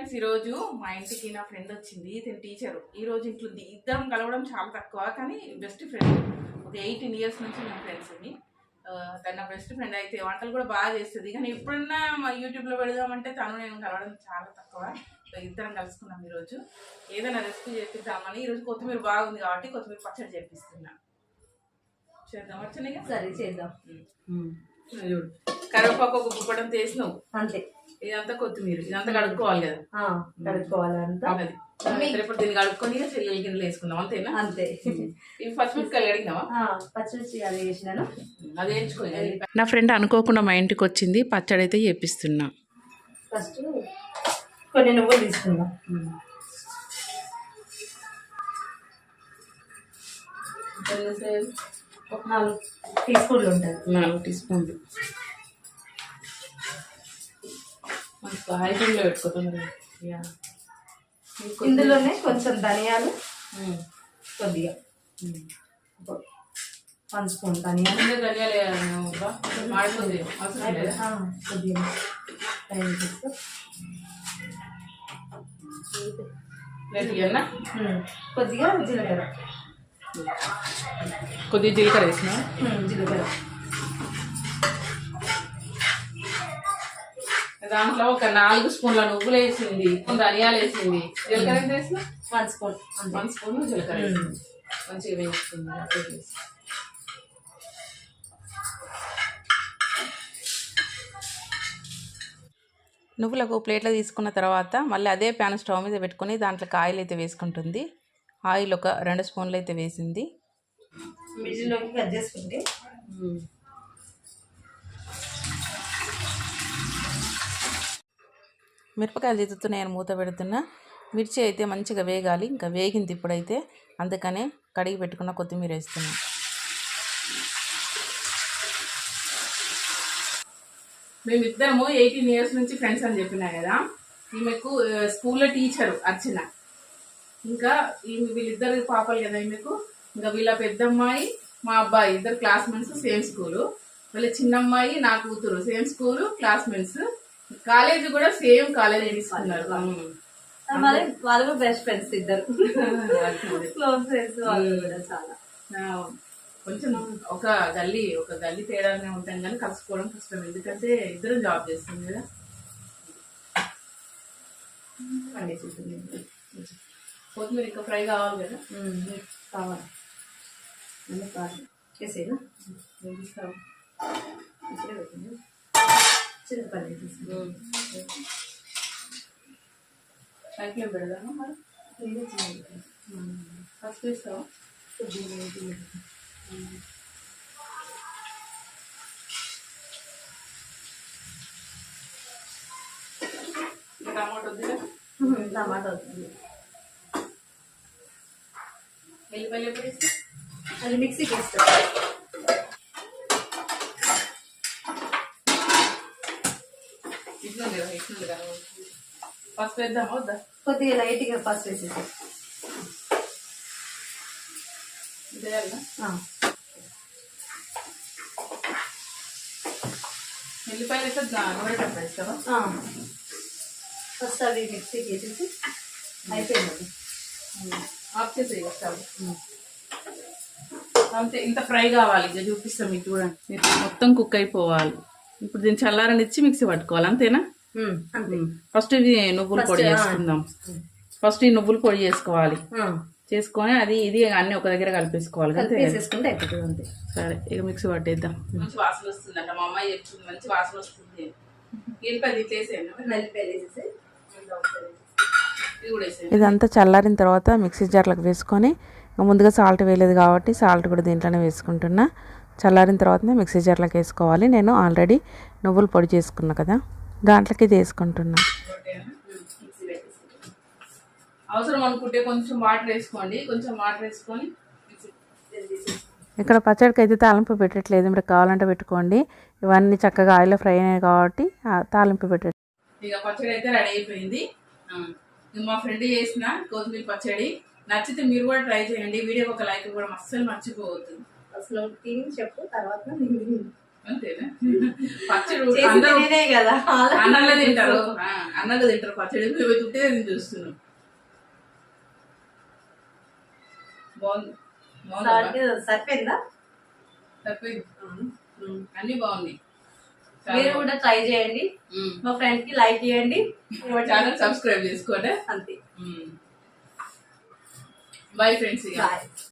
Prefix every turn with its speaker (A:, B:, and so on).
A: Friends ఈరోజు మా ఇంటికి నా ఫ్రెండ్ వచ్చింది. తన టీచరు. ఈరోజు ఇంట్లో ఇద్దరం కలవడం చాలా తక్కువ, కానీ బెస్ట్ ఫ్రెండ్. ఒక 18 years నుంచి నా ఫ్రెండ్స్ అని. తన నా బెస్ట్ ఫ్రెండ్. అయితే వంటలు కూడా బాగా చేస్తుంది. కానీ ఎప్పుడన్నా మా యూట్యూబ్లో పెడదామంటే తను నేను కలవడం చాలా తక్కువ. ఇద్దరం కలుసుకున్నాం ఈరోజు. ఏదైనా రెసిపీ చేపిద్దామని. ఈరోజు కొత్తిమీర బాగుంది కాబట్టి కొత్తిమీర పచ్చడి చేపిస్తున్నా. చేద్దాం వచ్చినాయి.
B: సరే చేద్దాం.
A: కరివేపాకు ఒక గుప్పడం తీసినావు
B: అంతే.
A: ఇదంతా కొత్తిమీర, ఇదంతా కడుక్కోవాలి కదా.
B: కడుక్కోవాలి అంతా.
A: ఇప్పుడు దీన్ని కడుక్కొని చెల్లెల గిన్నెలు వేసుకుందాం అంతేనా?
B: అంతే.
A: ఇవి పచ్చిమిరపకాయలు అడిగినావా?
B: పచ్చిమిర్చి అది వేసినాను,
A: అది వేయించుకోవాలి. నా ఫ్రెండ్ అనుకోకుండా మా ఇంటికి వచ్చింది. పచ్చడి అయితే చేపిస్తున్నా.
B: ఫస్ట్ కొన్ని నువ్వులు తీసుకుందాం. ఒక 4 టీ స్పూన్లు ఉంటాయి.
A: 4 టీ స్పూన్లు. హై ఫ్లేమ్లో పెట్టుకుంటున్నాను.
B: ఇందులోనే కొంచెం ధనియాలు, కొద్దిగా 1 స్పూన్ ధనియాలు. కొద్దిగా కొద్దిగా జీలకర్ర,
A: కొద్దిగా జీలకర్ర వేసిన.
B: జీలకర్ర
A: దాంట్లో ఒక 4 స్పూన్ల నువ్వులు వేసింది, ధనియాలు వేసింది. జీలకర్ర ఎంత వేసిన?
B: 1 స్పూన్.
A: 1 స్పూన్ జీలకర్ర వేసింది. మంచిగా వేసుకుంది. నువ్వులకు ప్లేట్లో తీసుకున్న తర్వాత మళ్ళీ అదే ప్యాన్ స్టవ్ మీద పెట్టుకొని దాంట్లో ఆయిల్ అయితే వేసుకుంటుంది. ఆయిల్ ఒక 2 స్పూన్లు అయితే వేసింది.
B: మిడిల్లోకి కట్ చేసుకుంటే
A: మిరపకాయలు తీస్తున్నాయని మూత పెడుతున్నా. మిర్చి అయితే మంచిగా వేగాలి. ఇంకా వేగింది ఇప్పుడైతే, అందుకనే కడిగి పెట్టుకున్న కొత్తిమీర వేస్తున్నా. మేమిద్దరము 18 years నుంచి ఫ్రెండ్స్ అని చెప్పినా కదా. ఈమెకు స్కూల్లో టీచరు అర్చన. ఇంకా వీళ్ళిద్దరు పాపలు కదా ఈమెకు. ఇంకా వీళ్ళ పెద్దమ్మాయి మా అబ్బాయి ఇద్దరు క్లాస్మేట్స్, సేమ్ స్కూలు. వీళ్ళ చిన్నమ్మాయి నా కూతురు, సేమ్ స్కూలు, క్లాస్మేట్స్. కాలేజ్ కూడా సేమ్ కాలేజ్ తీసుకున్నారు.
B: వాళ్ళు బెస్ట్ ఫ్రెండ్స్ ఇద్దరు, క్లోజ్ ఫ్రెండ్స్ వాళ్ళు కూడా. చాలా
A: కొంచెం ఒక గల్లీ తేడానే ఉంటాం కానీ కలుసుకోవడం కష్టం. ఎందుకంటే ఇద్దరం జాబ్ చేస్తాం కదా. కొత్తిమీర ఇంకా ఫ్రై కావాలి కదా.
B: కావాలి చేసేదా? ఇప్పుడే పెట్టింది. చిన్నపల్లి
A: సైకిల్ పెడదామా మరి? ఫస్ట్ వేస్తావా? టమాటో వద్దు.
B: టమాటా అవుతుంది.
A: వెల్లిపల్లి ఎప్పుడు వేస్తా?
B: అది మిక్సీకి వేస్తా.
A: ఇట్లా కదా. ఫస్ట్ వేద్దామా వద్దా?
B: కొద్దిగా లైట్గా ఫస్ట్ వేసేసి
A: వెల్లిపాయలు వేస్తే నూనెటప్పుడు వేస్తావా?
B: ఫస్ట్ అవి మిక్సీకి వేసేసి అయిపోయింది.
A: ఆఫ్ చేసి వేస్తావు అంతే. ఇంత ఫ్రై కావాలి. ఇక చూపిస్తాం మీకు చూడండి. మొత్తం కుక్ అయిపోవాలి. ఇప్పుడు దీన్ని చల్లారనిచ్చి మిక్సీ పట్టుకోవాలి అంతేనా? ఫస్ట్ ఇది నువ్వుల పొడి చేసుకుందాం. ఫస్ట్ ఈ నువ్వుల పొడి చేసుకోవాలి. చేసుకొని అది ఇది అన్ని ఒక దగ్గర కలిపేసుకోవాలి.
B: అంతే.
A: సరే ఇక మిక్సీ పట్టేద్దాం. మంచి వాసన వస్తుందంట. మా అమ్మాయి చెప్తుంది మంచి వాసన వస్తుంది. ఇదంతా చల్లారిన తర్వాత మిక్సీ జార్లకు వేసుకొని, ముందుగా సాల్ట్ వేయలేదు కాబట్టి సాల్ట్ కూడా దీంట్లోనే వేసుకుంటున్నా. చల్లారిన తర్వాతనే మిక్సీ జార్లకు వేసుకోవాలి. నేను ఆల్రెడీ నువ్వుల పొడి చేసుకున్నా కదా, దాంట్లోకి ఇది వేసుకుంటున్నా. అవసరం అనుకుంటే కొంచెం వాటర్ వేసుకోండి. కొంచెం వాటర్ వేసుకొని ఇక్కడ పచ్చడికి అయితే తాలింపు పెట్టట్లేదు. మీరు కావాలంటే పెట్టుకోండి. ఇవన్నీ చక్కగా ఆయిల్లో ఫ్రై అయినాయి కాబట్టి తాలింపు పెట్టండి. ఇక పచ్చడి అయితే రెడీ అయిపోయింది. మా ఫ్రెండ్ చేసిన కొత్తిమీర పచ్చడి నచ్చితే మీరు కూడా ట్రై చేయండి. వీడియోకి ఒక లైక్ కూడా అస్సలు మర్చిపోవద్దు.
B: అసలు తిని చెప్పు తర్వాత
A: అంతేనా పచ్చడి
B: చేసి
A: అందరూ
B: తినేదే కదా
A: అన్నంలో తింటారు అన్నంలో తింటారు పచ్చడి మేము చుట్టే నేను చూస్తున్నాం బాగుంది
B: సరిపోయిందా
A: సరిపోయింది అన్ని బాగున్నాయి
B: మీరు కూడా ట్రై చేయండి మా ఫ్రెండ్ కి లైక్ చేయండి
A: ఛానల్ సబ్స్క్రైబ్ చేసుకోండి
B: అంతే
A: బాయ్ ఫ్రెండ్స్
B: బాయ్